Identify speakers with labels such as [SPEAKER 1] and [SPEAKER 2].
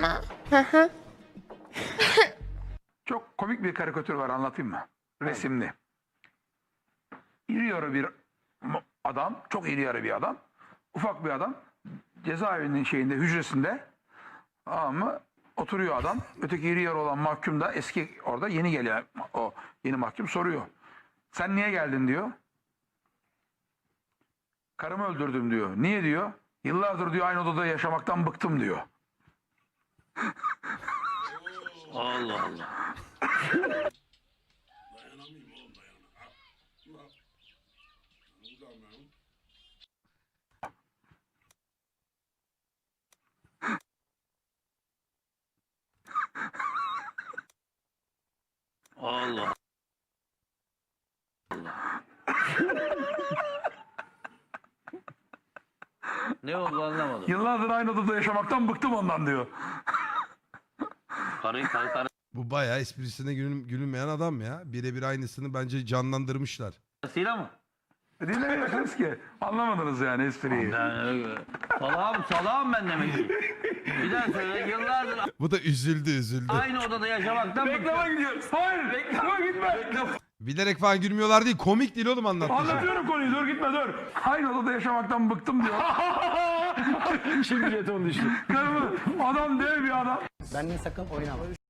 [SPEAKER 1] mı? Hı hı.
[SPEAKER 2] Çok komik bir karikatür var, anlatayım mı? Resimli. İri yarı bir adam, çok iri yarı bir adam. Ufak bir adam. Cezaevinin hücresinde. Ama oturuyor adam. Öteki iri yarı olan mahkum da eski orada yeni gelen o yeni mahkum soruyor. Sen niye geldin diyor. Karımı öldürdüm diyor. Niye diyor. Yıllardır diyor aynı odada yaşamaktan bıktım diyor.
[SPEAKER 3] Allah Allah. Allah. Ne oldu anlamadım.
[SPEAKER 2] Yıllardır aynı odada yaşamaktan bıktım ondan diyor.
[SPEAKER 3] Karı
[SPEAKER 4] Bu bayağı esprisine gülünmeyen adam ya. Birebir aynısını bence canlandırmışlar.
[SPEAKER 3] karısıyla mı?
[SPEAKER 2] Dinlemiyorsunuz ki. Anlamadınız yani espriyi.
[SPEAKER 3] Salağım ben demek ki. Bir daha söyle, yıllardır
[SPEAKER 4] Bu da üzüldü.
[SPEAKER 3] aynı odada yaşamaktan
[SPEAKER 2] Reklama gidiyoruz. Hayır. Reklama gitme.
[SPEAKER 4] Bilerek falan gülmüyorlar değil. Komik değil oğlum anlattığı şey.
[SPEAKER 2] Anlatıyorum konuyu. Dur gitme dur. Aynı odada yaşamaktan bıktım diyor.
[SPEAKER 5] Şimdi jeton düştü.
[SPEAKER 2] Karımı adam dev bir adam.
[SPEAKER 6] Benimle sakın oynama.